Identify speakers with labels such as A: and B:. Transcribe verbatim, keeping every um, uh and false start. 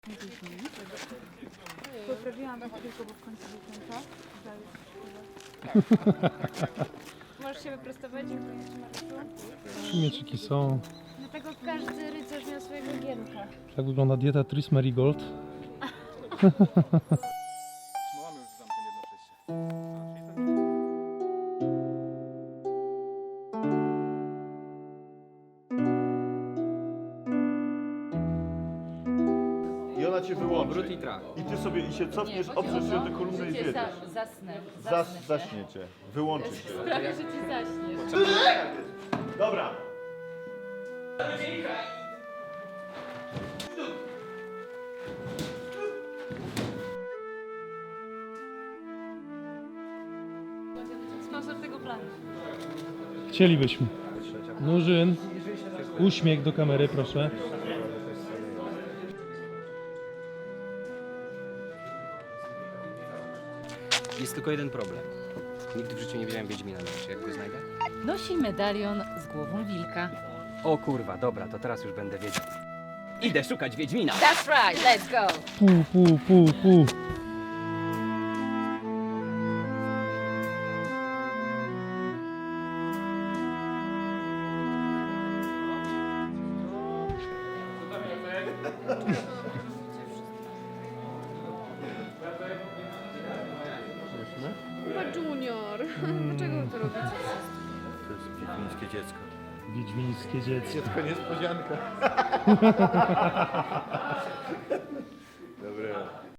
A: Poprawiłam to tylko, bo w końcu był ten czas. Możesz się wyprostować, dziękuję Ci, Mariuszu.
B: Mieczyki są.
A: Dlatego każdy rycerz miał swojego gierka.
B: Tak wygląda dieta Tris Marigold.
C: No mamy już zamkiem jedno przejście.
D: I ona cię wyłączy.
C: Obrót i trach.
D: I ty sobie i się cofniesz, oprzesz się do kolumny i zjedziesz.
E: Zasnę.
D: Zas, zaśniecie. Wyłączy się.
E: Prawie, że ci zaśniesz.
D: Dobra.
E: Sponsor tego planu.
B: Chcielibyśmy. Nurzyn, uśmiech do kamery, proszę.
F: Jest tylko jeden problem. Nigdy w życiu nie widziałem Wiedźmina na oczy. Jak go znajdę?
E: Nosi medalion z głową wilka.
F: O kurwa, dobra, to teraz już będę wiedział. Idę szukać Wiedźmina!
E: That's right, let's go!
B: Pu, pu, pu, pu.
A: Chyba Junior. Dlaczego wy to robicie?
D: To jest wiedźmińskie dziecko.
B: Wiedźmińskie dziecko.
D: Dziecko niespodzianka. Dobra.